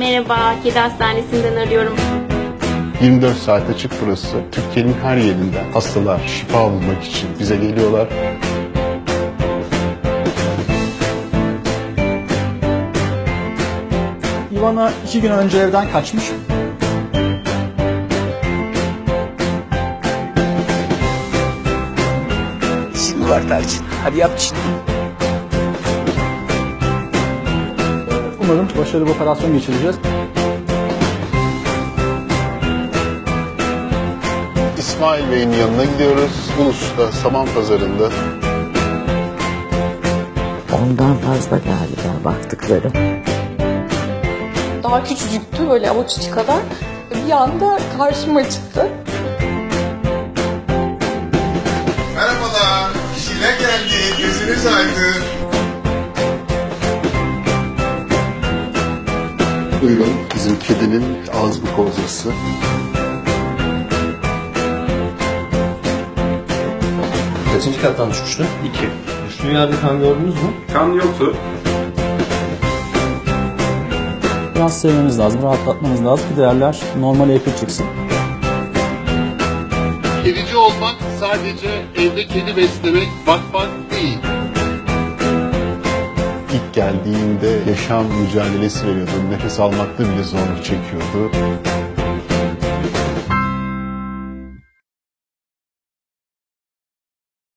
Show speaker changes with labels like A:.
A: Merhaba, Kedi Hastanesi'nden arıyorum.
B: 24 saat açık burası. Türkiye'nin her yerinden hastalar şifa bulmak için bize geliyorlar.
C: Ivana 2 gün önce evden kaçmış.
D: Şimdi var Tarçın. Hadi yap şimdi.
C: Umarım başarılı bir operasyon geçireceğiz.
B: İsmail Bey'in yanına gidiyoruz. Ulus'ta, Saman Pazarı'nda.
E: Ondan fazla galiba baktıklarım.
F: Daha küçücüktü, böyle avuç içi kadar. Bir anda karşıma çıktı.
G: Merhabalar, Şile geldi, gözünüz aydın.
B: Buyurun, bizim kedinin ağız mukozası.
H: Kaçıncı kattan düşmüştü? 2. Düştüğü yerde kan gördünüz mü?
G: Kan yoktu.
C: Biraz sevmemiz lazım, rahatlatmamız lazım ki değerler normale yakın çıksın.
B: Kedici olmak sadece evde kedi beslemek, bakmak değil. İlk geldiğinde yaşam mücadelesi veriyordu. Nefes almakta bile zorluk çekiyordu.